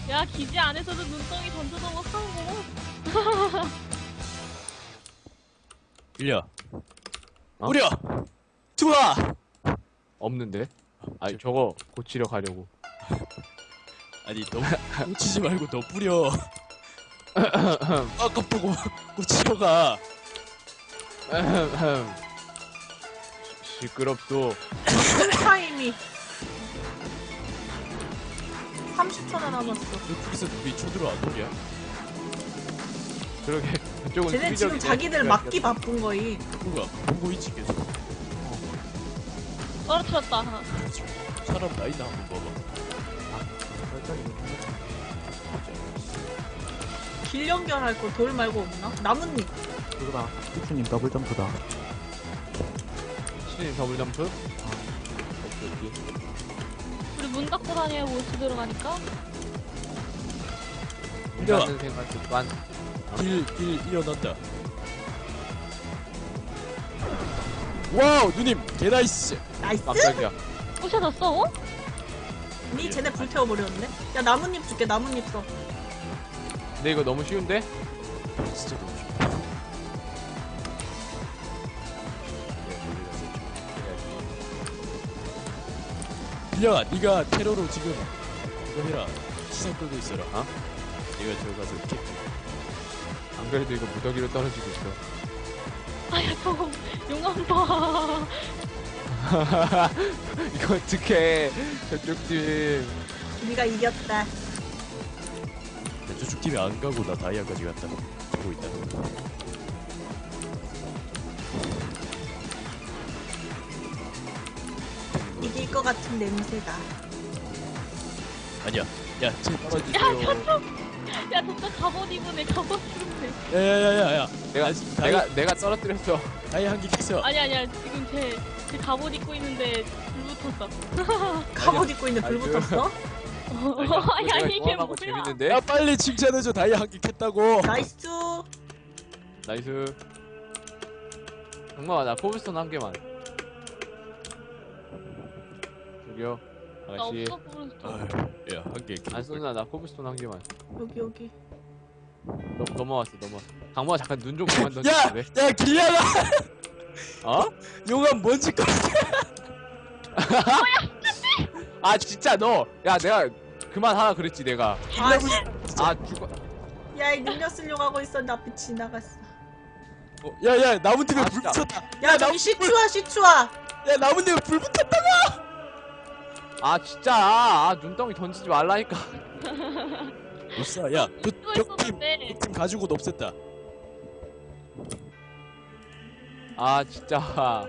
야, 기지 안에서도 눈덩이 던져놓고 하는구나. 빌려. 어? 뿌려. 좋아. 없는데? 아니 저거 고치려 가려고. 아니 너무 꽂히지 말고 너 뿌려. 아깝다고 꽂히러 가. 시끄럽소. 타임이 30초나 남았어. 저쪽에서 누이 쳐들어 안 오냐? 그러게 그쪽은 쟤네 지금 수비적이네. 자기들 막기 바쁜 거임. 누가 보고 있지 계속. 떨어뜨렸다, 하나. 사람 나이나 한번 봐봐. 길 연결할 거 돌 말고 없나? 나뭇잎. 그거다. 피츠님 더블 점프다. 신인 더블 점프? 오케이. 우리 문 닫고 다녀야 못 들어가니까. 이라는 생각 습관. 길 일어난다. 와우 누님 개나이스. 나이스? 깜짝이야. 부셔졌어, 어? 니 쟤네 불태워버렸네? 야 나뭇잎 줄게. 나뭇잎 써. 근데 이거 너무 쉬운데? 진짜 너무 좋아. 빌려가 네가 테러로 지금 이거 해라. 시선 끌고 있어라. 어? 내가 저기 가서 이렇게 안 그래도 이거 무더기로 떨어지고 있어. 아야, 저거, 용암 봐. 이거 어떡해. 저쪽 팀. 니가 이겼다. 저쪽 팀이 안 가고 나 다이아까지 갔다. 보고 있다. 이길 것 같은 냄새가. 아니야. 야, 쟤 떨어지. 야, 저쪽. 야, 저쪽 갑옷 입은 애 갑옷 입은 애. 야야야야야. 내가 떨어뜨렸어. 다이아 한 개 캤어. 아니야. 지금 제 갑옷 입고 있는데 불 붙었어. 갑옷 입고 있는데 불 아이고. 붙었어? 아니, 이게 조합하고 뭐야. 재밌는데? 야 빨리 칭찬해줘. 다이아 한 개 캤다고. 나이스. 나이스. 정말 나 코블스톤 한 개만. 저기요 나 아가씨 없어, 부르스톤. 아유, 야한 개. 안 쏘나 나 코블스톤 한 개만. 여기. 넘어왔어. 강모아 잠깐 눈 좀 그만 야, 던지래. 야 길리아가 어? 용암 뭔지 거. 아 진짜 너. 야 내가 그만 하라 그랬지 내가. 아씨. 아 죽어. 야, 이 능력 쓰려고 하고 있었는데 앞에 지나갔어. 야야 나무 때문에 아, 불 진짜. 붙었다. 야, 저기 시추아. 야 나무 때문에 불 붙었다. 아 진짜. 아 눈덩이 던지지 말라니까. 못사. 야, 또 적팀 있었는데. 가지고 없앴다. 아 진짜.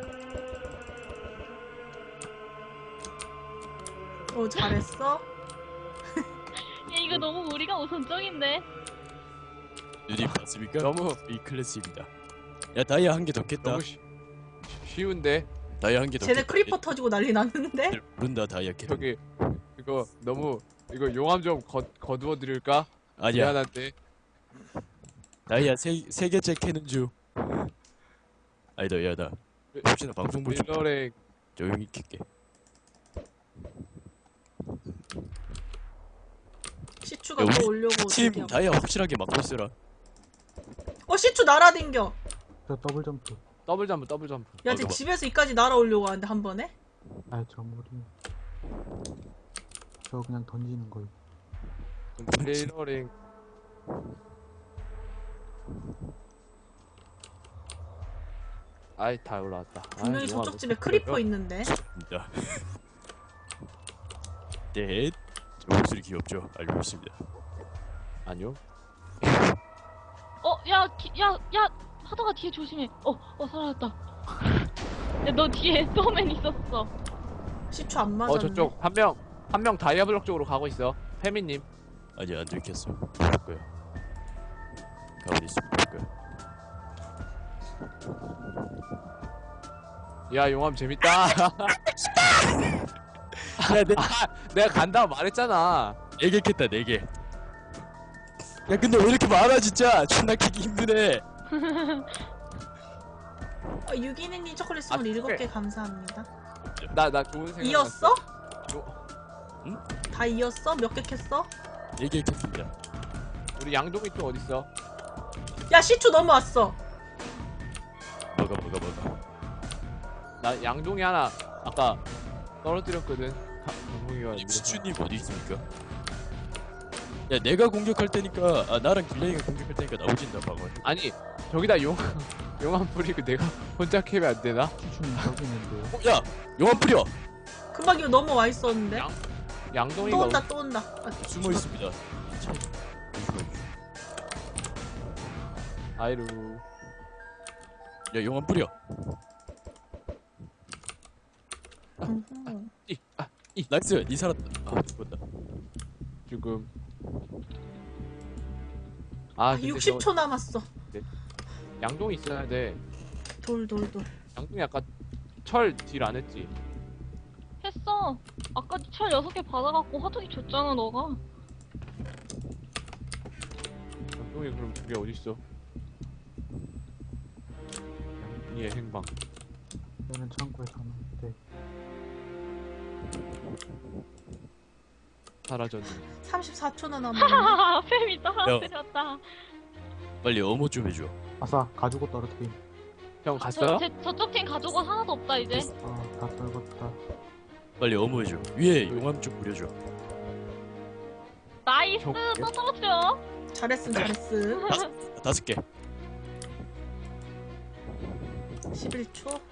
잘했어. 야, 이거 너무 우리가 우선적인데. 누님 봤습니까? 너무 이 클래스입니다. 야 다이아 한 개 더 깼다. 너무 쉬운데. 다이아 한 개 더. 쟤네 크리퍼 터지고 난리 났는데? 모른다 다이아 깼다. 저기 이거 너무 이거 용암 좀 거두어 드릴까? 아니야. 미안한데. 다이아 세 개째 캐는 중. 아니다 야나 혹시나 방송 보지 마. 밀러랭. 조용히 킬게. 시추가 야, 또 우리 오려고. 팀 대기하고. 다이아 확실하게 막고 있어라. 시추 날아댕겨. 저 더블 점프. 더블 점프. 야, 쟤 봐봐. 집에서 이까지 날아오려고 하는데 한 번에? 아이 저 머리. 저 그냥 던지는 거예요. 밀러랭. 아이 다 올라왔다. 분명히 저쪽 집에 크리퍼 있는데. 진짜. 네. 저 목소리 귀엽죠? 알고 있습니다. 아니요. 야, 하다가 뒤에 조심해. 사라졌다. 야, 너 뒤에 소맨 있었어. 시추 안 맞았네. 저쪽 한 명 다이아 블록 쪽으로 가고 있어. 페미님. 아니 안 들켰어. 볼 거야. 가만히 있으면 볼 거야. 야 용암 재밌다. 야, 내가 간다고 말했잖아. 4개 깼다, 4개. 야, 근데 왜 이렇게 많아, 진짜? 존나 캐기 힘드네. 유기능님 초콜릿 선물 7개 감사합니다. 나 좋은 생각. 이었어? 요- 응? 다 이었어? 몇 개 캤어? 4개 캤습니다. 우리 양동이 또 어딨어? 야 시추 넘어왔어. 먹어. 나 양동이 하나 아까 떨어뜨렸거든. 양동이가 아니 시추님 어디 있습니까? 야 내가 공격할 테니까 나랑 길랭이가 공격할 테니까 나오진다 방어. 아니 저기다 용암 뿌리고 내가 혼자 캐면 안 되나? 시추님 저기 있는데요. 야 용암 뿌려. 금방 이거 넘어와 있었는데. 양- 양동이가 또 온다 또 온다. 아, 숨어 있습니다. 참. 아이루. 야 용암 뿌려. 음흠. 나이스. 니 살았다. 아 죽었다. 지금 아, 근데 60초 남았어. 양동이 있어야 돼. 돌. 양동이 아까 철 딜 안 했지? 했어. 아까 철 6개 받아갖고 화통이 줬잖아 너가. 양동이 그럼 그게 어딨어? 양동이의 행방. 얘는 창고에 사는데. 사라졌네. 34초나 남았네. 하하하 팸이 떨어뜨렸다. 빨리 어머 좀 해줘. 아싸 가지고 떨어뜨림. 형 갔어요? 저쪽 팀 가져가 하나도 없다 이제. 다 떨궜다. 빨리 어머 해줘. 위에 용암 좀 뿌려줘. 나이스 저- 또 떨어뜨려. 잘했음. 5개. 11초.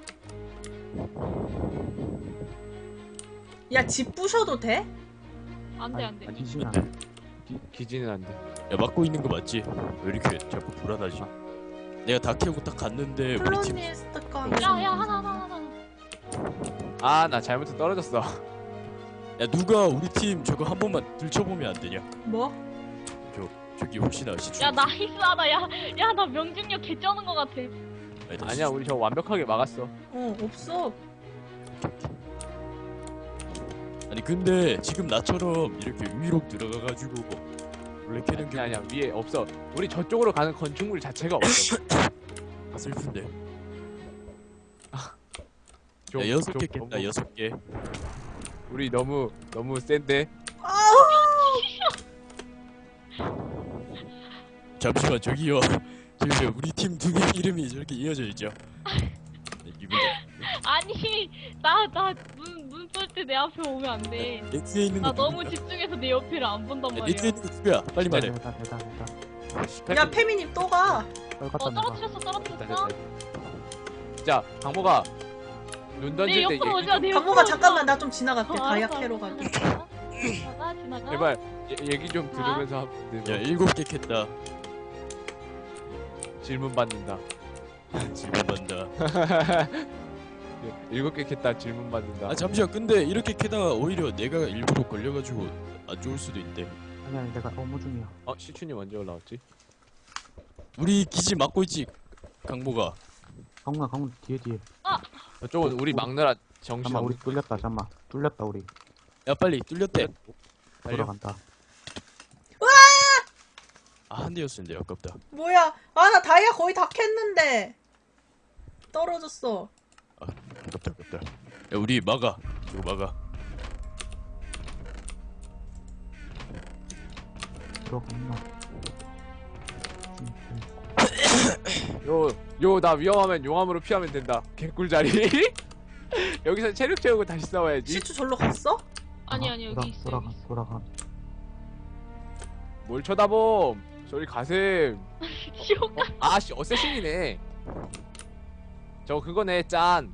야 집 부셔도 돼? 안돼 안돼. 아니, 기진 안 돼. 돼. 기지는 안 돼. 야 막고 있는 거 맞지? 왜 이렇게 자꾸 불안하지? 내가 다 캐고 딱 갔는데 우리 팀 콜로니스트가. 야야 하나. 아, 나 잘못해서 떨어졌어. 야 누가 우리 팀 저거 한 번만 들춰보면 안 되냐? 뭐? 저기 혹시나 시추. 야 나이스 하다. 야야 나 명중력 개 쩌는 거 같아. 아니야, 우리 저거 완벽하게 막았어. 없어. 아니 근데 지금 나처럼 이렇게 위로 들어가가지고 원래 캐는 게 아니야, 위에 없어. 우리 저쪽으로 가는 건축물 자체가 없어. 슬픈데. 좀- 야 6개 좀 깼다 너무- 6개. 우리 너무 센데. 잠시만 저기요. 저기 우리 팀 두 개 이름이 저렇게 이어져 있죠. 네, 기분 아니 나눈 쏠 때 내 앞에 오면 안 돼. 내 뒤에 있는 나 거 너무 집중해서 내 옆에를 안 본단 내 말이야. 뒤에 있는 거 누구야? 빨리 말해. 내다. 야 페미님 또 가. 떨궜다 내가. 떨어뜨렸어. 자, 강모가 눈 내 던질 때 옆으로 얘기 오자. 좀, 내 강모가 옆으로 잠깐만 오자. 나 좀 지나갈게. 다이아 캐러 가게. 지나가. 제발 얘기 좀 들으면서 하면 돼. 야 7개 캤다. 질문 받는다. 질문 받는다. 7개 캤다 질문 받는다. 아 잠시만 근데 이렇게 캐다가 오히려 내가 일부러 걸려가지고 안 좋을 수도 있대. 아니 내가 업무 중이야. 시춘이 언제 올라왔지? 우리 기지 막고 있지 강모가. 강훈아 뒤에. 저쪽은 우리 막느라 정신 잠만 우리 없는. 뚫렸다 우리. 야 빨리 뚫렸대. 달려. 돌아간다. 아 한 대였었는데 아깝다. 뭐야? 아 나 다이아 거의 다 캤는데 떨어졌어. 아깝다. 야 우리 막아. 이거 막아. 들어갔나? 나 위험하면 용암으로 피하면 된다. 개꿀자리. 여기서 체력 채우고 다시 싸워야지. 시추 절로 갔어? 아니 여기 있어. 돌아가. 뭘 쳐다봄. 저리 가셈. 지옥. 아씨 어쌔신이네. 저거 그거네 짠.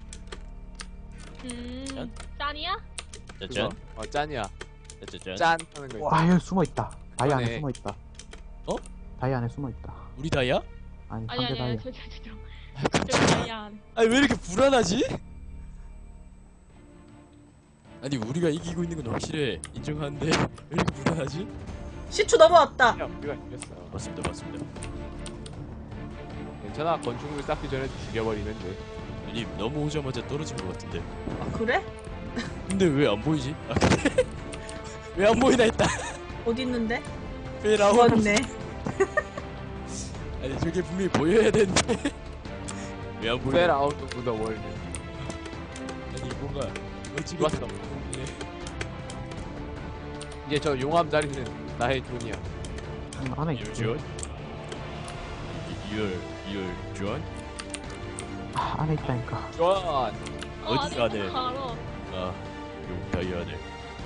짠이야? 짜잔. 그거? 짠이야. 짜잔. 짠 하는 거. 와 여기 숨어 있다. 다이 안에 그러네. 숨어 있다. 어? 다이 안에 숨어 있다. 우리 다이야? 아니 아니 상대 아니 다이. 저 아니야. 아니 왜 이렇게 불안하지? 아니 우리가 이기고 있는 건 확실해. 인정하는데 왜 이렇게 불안하지? 시추 넘어왔다. 야 우리가 이겼어. 맞습니다. 괜찮아. 건축물 쌓기 전에 죽여버리면 돼. 아니 넘어오자마자 떨어진 것 같은데. 아 그래? 근데 왜 안 보이지? 아 그래? 왜 안 보이나 했다. 어디 있는데? 왜 나오고? 죽었네. 아니 저게 분명히 보여야 되는데 왜 안 보여? Fell out of the world. 아니 뭔가 멋지게 좋았어. 보이네. 이제 저 용암 자리는 나의 돈이야. 안에 You're 있지. John? You're John? 아, 안에 있다니까. 존. 어디 아니, 안에? 알아. 아, 요 다이아 안에.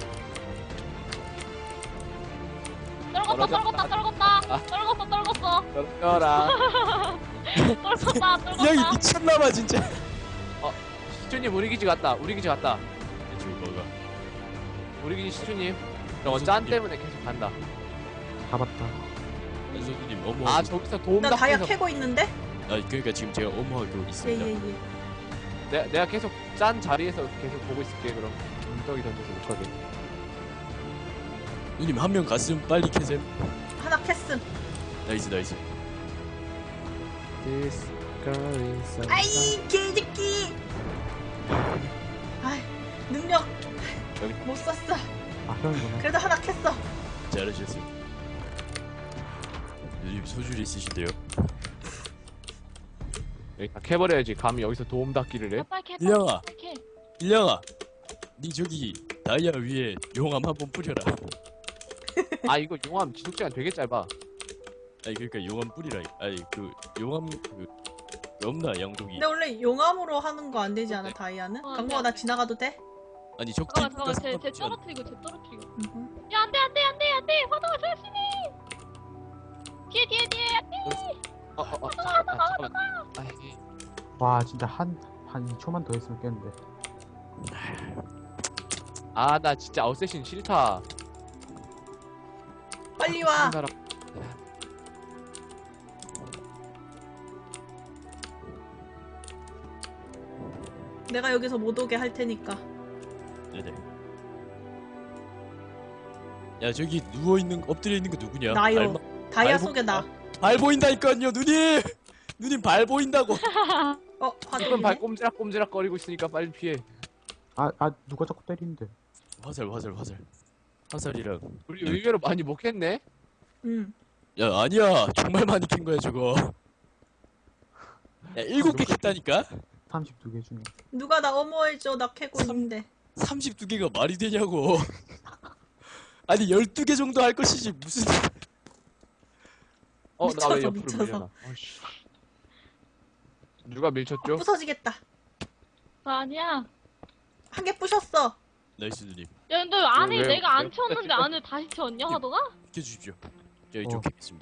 떨궜다, 떨궜다, 떨궜다. 떨궜어, 떨궜어. 떨어라. 떨궜다, 이 형이 떨궜다. 미쳤나봐 진짜. 시초님 우리 기지 갔다. 우리 기지 갔다. 지금 뭐가? 우리 기지 시초님. 저거 짠 때문에 계속 간다. 아, 잡았다. 선수님 업무하고. 아 저기서 도움 나 다이아 닫혀서 캐고 있는데? 아 그러니까 지금 제가 업무하고 있습니다. 예예예. 내가 계속 짠 자리에서 계속 보고 있을게. 그럼 운석이 던져서 못 가게. 누님 한 명 갔음 빨리 캐셈. 하나 캤음. 나이스 나이스. This girl is a- 아이 개새끼. 아이 능력 여기. 못 썼어. 아, 형이구나. 그래도 하나 캤어. 잘하셨어요. 누님 소질이 있으신데요. 여기 다 캐버려야지. 감히 여기서 도움 닫기를 해. 빨리 캐, 일령아. 빨리 캐. 일령아, 니 저기 다이아 위에 용암 한번 뿌려라. 아 이거 용암 지속 시간 되게 짧아. 아니 그러니까 용암 뿌리라. 아니 그 용암 그 없나 양동이. 근데 원래 용암으로 하는 거 안 되지 않아 다이아는? 어, 강모아 나 지나가도 돼? 아니 적대 잠깐만, 쟤 떨어뜨리고, 쟤 떨어뜨리고. 음. 야, 안 돼, 안 돼, 안 돼, 안 돼. 화동아, 조심해. 뒤에, 안 돼. 잠깐만. 아이, 와, 진짜 한 2초만 더 했으면 깼는데. 아, 나 진짜 어쌔신 싫다. 빨리 와. 우리나라- 내가 여기서 못 오게 할 테니까. 네네. 야 저기 누워 있는 엎드려 있는 거 누구냐? 나요. 다이아 발 속에 나. 발 보인다니까요, 누님. 누님 발 보인다고. 지금 화동이네. 발 꼼지락꼼지락 거리고 있으니까 빨리 피해. 누가 자꾸 때리는데. 화살. 화살이랑. 우리 의외로 많이 못 했네. 응. 야 아니야, 정말 많이 캔 거야 저거. 야 7개 캤다니까. 32개 중에. 누가 나 어머해줘. 나 캐고 있는데. 32개가 말이 되냐고. 아니 12개 정도 할 것이지 무슨. 나 왜 미쳐서, 옆으로 미쳐서. 밀려나? 어이씨. 누가 밀쳤죠? 부서지겠다. 아니야. 한 개 부셨어. 나이스 누님. 야, 근데 안에 왜- 내가 안 왜- 채웠는데 안에 다시 채웠냐, 화동아? 켜주십시오. 저 이쪽 어. 캐겠습니다.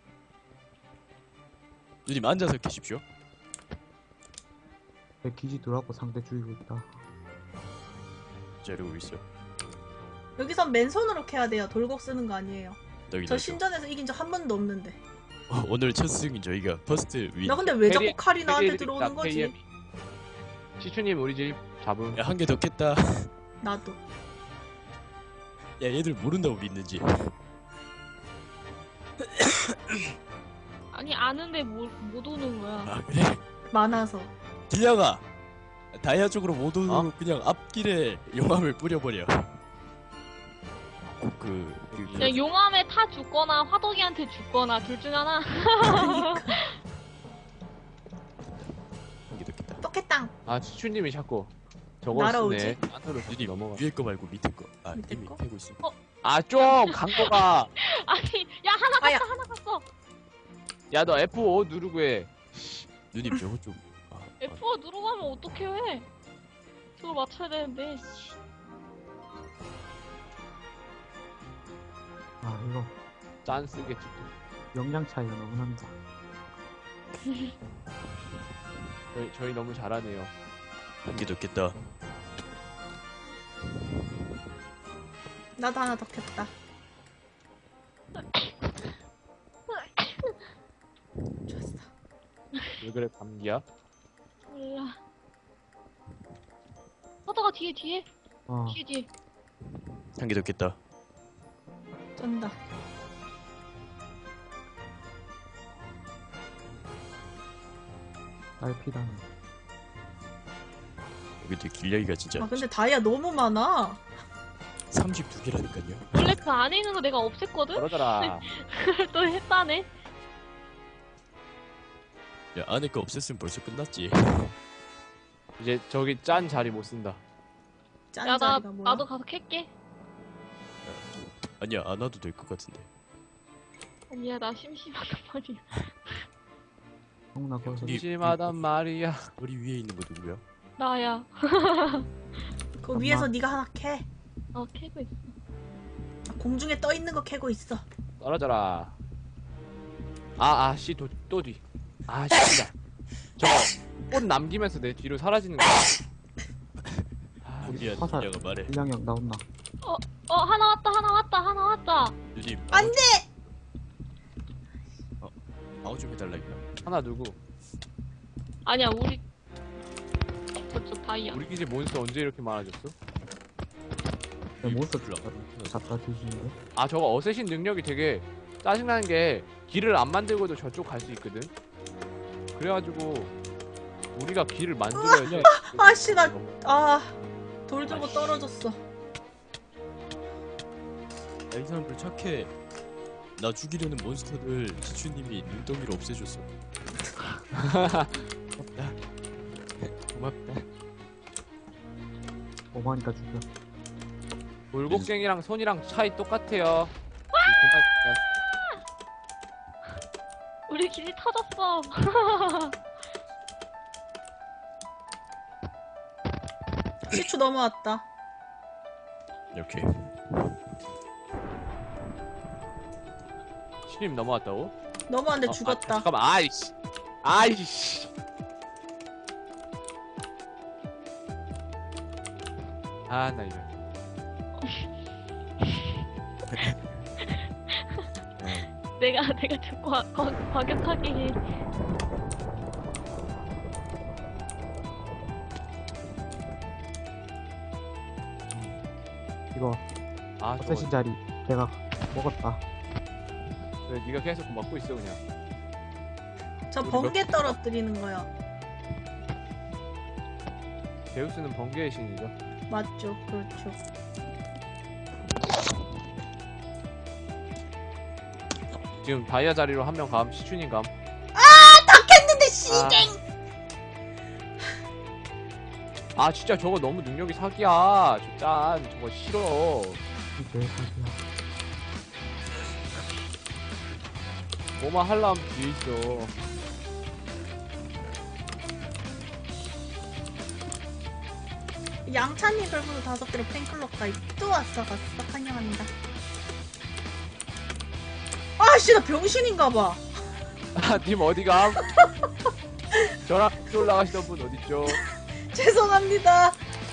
누님 앉아서 캐십시오. 내 기지 들어가고 상대 죽이고 있다. 자 이러고 있어. 여기선 맨손으로 캐야 돼요. 돌곡 쓰는 거 아니에요. 여기 저 신전에서 이긴 적 한 번도 없는데. 오늘 첫 승인 저희가 퍼스트 윈. 나 근데 왜 자꾸 페리- 칼이 나한테 페리 들어오는 해드립니다, 거지? 페리. 시추님 우리 집 잡음. 야 한 개 더 깼다. 나도. 야 얘들 모른다고 믿는지. 아니, 아는데 못 오는 거야. 아 그래? 많아서. 길냥아 다이아 쪽으로 못 오고 어? 그냥 앞길에 용암을 뿌려버려. 그냥 용암에 타 죽거나 화덕이한테 죽거나 둘 중 하나. 한개 더 깼다. 똑했땅. 아 시추님이 자꾸 저거 날아오지? 쓰네. 안으로 누님 넘어가. 위에 거 말고 밑에 거. 아 밑에 이미 거? 캐고 있어. 아좀 강도가. 아니, 야, 하나 아야. 갔어, 하나 갔어. 야 너 F5 누르고 해. 누님 저거 좀. 아, F4 누르고 하면 어떻게 해? 저걸 맞춰야 되는데. 이거 짠 쓰겠지. 역량 차이가 너무 난다. 저희 너무 잘하네요. 한개 더 깼다. 나도 하나 더 캤다. 좋았어. 왜 그래 감기야? 몰라. 화덕아, 뒤에. 어, 뒤에. 한 개 더 깼다. 쩐다. 딸피다네. 여기 되게 길냥이가 진짜 아 근데 다이아 너무 많아. 32개라니까요. 원래 그 안에 있는 거 내가 없앴거든? 그러더라. 그걸 또 했다네. 야 안에 거 없앴으면 벌써 끝났지. 이제 저기 짠 자리 못 쓴다. 짠 야, 자리가 뭐야? 나도 가서 캘게. 아니야 안 와도 될 것 같은데. 아니야, 나 심심하단 말이야. 형, 나 거기서 심심하단 말이야. 머리 위에 있는 거 누구야? 나야. 그 위에서 네가 하나 캐. 캐고 있어. 공중에 떠 있는 거 캐고 있어. 떨어져라. 씨, 또 뒤. 진짜. 저거, 꽃 남기면서 내 뒤로 사라지는 거야. 미안 화살. 내가 말해. 일량이 형 나온나. 하나 왔다. 누님 안 돼! 방어 좀 해달라 이거. 하나 누구? 아니야, 우리 저쪽 다이아. 우리 기지 몬스터 언제 이렇게 많아졌어? 내 몬스터 불러. 잡다 뒤지는데. 저거 어쌔신 능력이 되게 짜증나는 게 길을 안 만들고도 저쪽 갈 수 있거든? 그래가지고 우리가 길을 만들어야지. 아씨, 돌 들고 떨어졌어. 야, 이 사람들 착해. 나 죽이려는 몬스터들 지추님이 눈덩이로 없애줬어. 고맙다. 고맙다. 오마니까 죽여. 돌곡쟁이랑 손이랑 차이 똑같아요. 우리 기지 터졌어. 시추 넘어왔다. 이렇게. 신임 넘어왔다고? 넘어왔는데 죽었다. 잠깐만, 아이씨. 나 이거. 내가 좀 과격하게 해. 이거 저거. 어쌔신 자리 내가 먹었다. 그래, 네가 계속 먹고 있어 그냥. 저 번개 떨어뜨리는 거야. 제우스는 번개의 신이죠. 맞죠? 그렇죠. 지금 다이아 자리로 한 명 감, 시춘인 감. 했는데 씨갱! 진짜 저거 너무 능력이 사기야. 저거 싫어. 이제 사기야. 뭐만 하려면 뒤에 있어. 양찬님 별풍선 5개로 팬클럽 가입 또 왔어. 환영합니다. 아씨, 나 병신인가봐. 님 어디 감? 저랑 같이 올라가시던 분 어딨죠? 죄송합니다.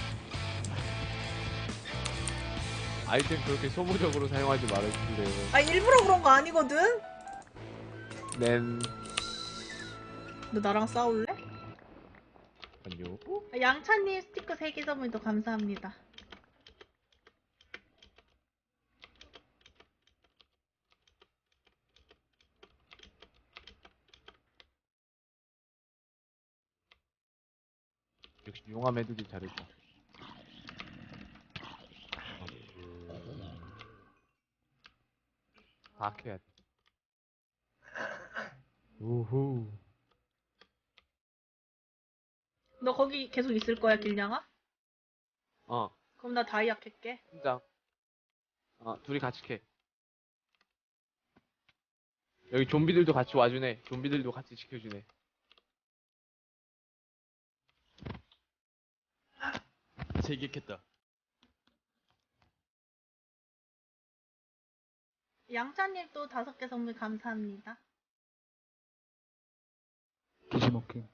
아이템 그렇게 소모적으로 사용하지 말아주실래요? 일부러 그런 거 아니거든? 넨. 너 나랑 싸울래? 아니요. 양찬님 스티커 3개 선물도 감사합니다. 역시 용암 애들이 잘했다. 다 캐야 돼. 우후. 너 거기 계속 있을 거야, 길냥아? 어, 그럼 나 다이아 캘게. 팀장. 둘이 같이 캐. 여기 좀비들도 같이 와주네. 좀비들도 같이 지켜주네. 세 개 캤다. 양찬님 또 5개 선물 감사합니다. 기지 먹힘.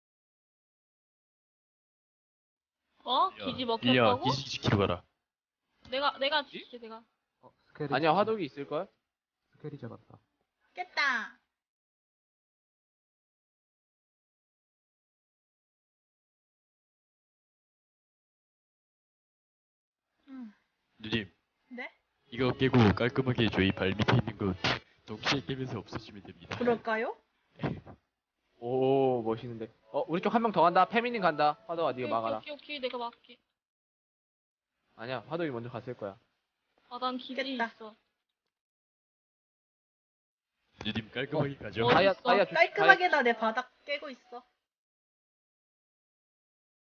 기지 야, 먹혔다고? 기지 지키러 가라. 내가 줄게, 내가. 스케리. 아니야, 화덕이 있을걸? 스케리 잡았다. 깼다. 누님 네? 이거 깨고 깔끔하게 저희 발 밑에 있는 거 동시에 깨면서 없애시면 됩니다. 그럴까요? 오, 멋있는데. 우리 쪽 한 명 더 간다. 페미닌 간다. 화덕아, 네가 막아라. 오케이, 내가 막게. 아니야, 화덕이 먼저 갔을 거야. 난 기지 깼다. 있어. 누님 깔끔하게 가죠. 다이아- 다이아 깔끔하게 나 내 바닥 깨고 있어.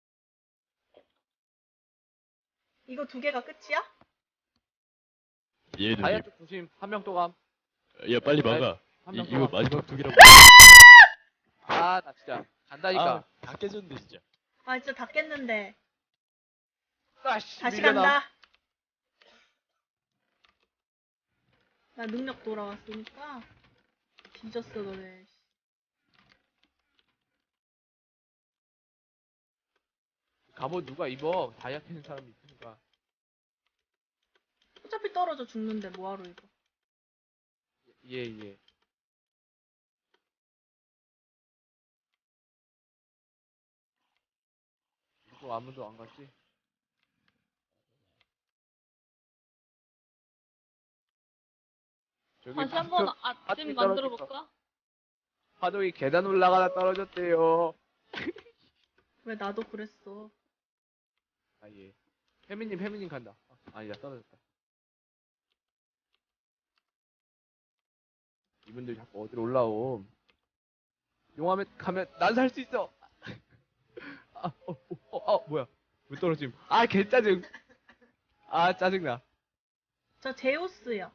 이거 2개가 끝이야? 예 다이아 누님. 쪽 조심. 한 명 또 감. 야 빨리 막아. 한 명 이거 또 감. 마지막 두 개라고. 아, 나 진짜 간다니까. 다 깨졌는데 진짜. 아 진짜 다 깼는데 아씨. 다시 밀려나. 간다. 나 능력 돌아왔으니까 뒤졌어 너네. 갑옷 누가 입어? 다이아 캐는 사람이 있으니까. 어차피 떨어져 죽는데 뭐하러 이거. 예, 예. 이거 아무도 안 갔지? 저기 다시 한번 파도- 아침 떨어졌어. 만들어 볼까? 파동이 계단 올라가다 떨어졌대요. 왜 나도 그랬어. 아, 예. 혜민님 간다. 아니다, 떨어졌다. 이분들 자꾸 어디로 올라옴. 용암에 가면 난 살 수 있어. 뭐야. 왜 떨어짐. 아, 개짜증. 아, 짜증나. 저 제우스요.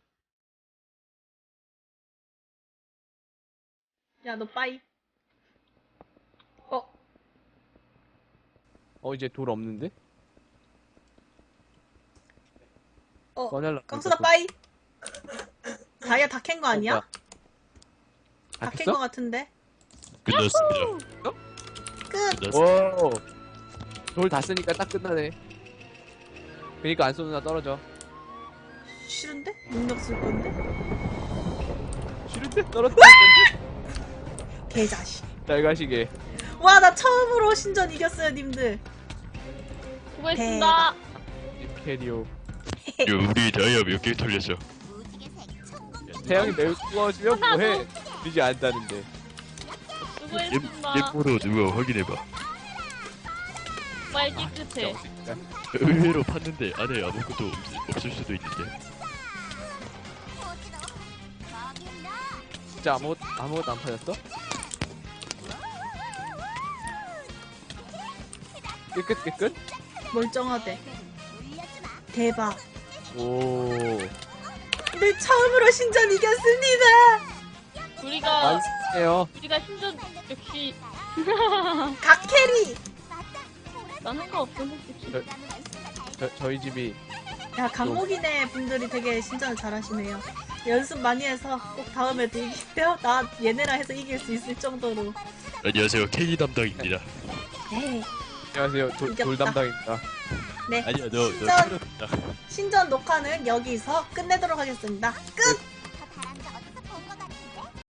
야 너 빠이. 이제 돌 없는데? 어, 다 깜수다 빠이. 다이아 다 캔 거 아니야? 다 캔 거 깼어? 같은데. 끝났습니다. 끝. 끝났습니다. 오. 돌 다 쓰니까 딱 끝나네. 그니까 안 쏘는 나 떨어져. 싫은데? 능력 쓸 건데? 싫은데? 떨어져. 개자식. 잘 가시게. 와 나 처음으로 신전 이겼어요 님들. 수고했습니다. 캐리오. 우리 다이아 몇 개 털렸어? 태양이 매우 뜨거워지면 뭐해? 들리지 않다는데. 수고했습니다. 예쁘로 누가 확인해봐. 정말 깨끗해. 의외로 팠는데 안에 아무것도 없을 수도 있는데. 진짜 아무것도 안 파졌어? 깨끗? 멀쩡하대. 대박. 오. 네 처음으로 신전 이겼습니다. 우리가 완성해요. 신전 역시 각캐리. 난 상관없어 솔직히. 저희 집이 야 강목이네 분들이 되게 신전을 잘하시네요. 연습 많이 해서 꼭 다음에도 이기세요. 나 얘네랑 해서 이길 수 있을 정도로. 안녕하세요. K 담당입니다. 네. 안녕하세요. 돌 이겼다. 담당입니다. 네. 아니야 너 신전. 틀렸다. 신전 녹화는 여기서 끝내도록 하겠습니다. 끝.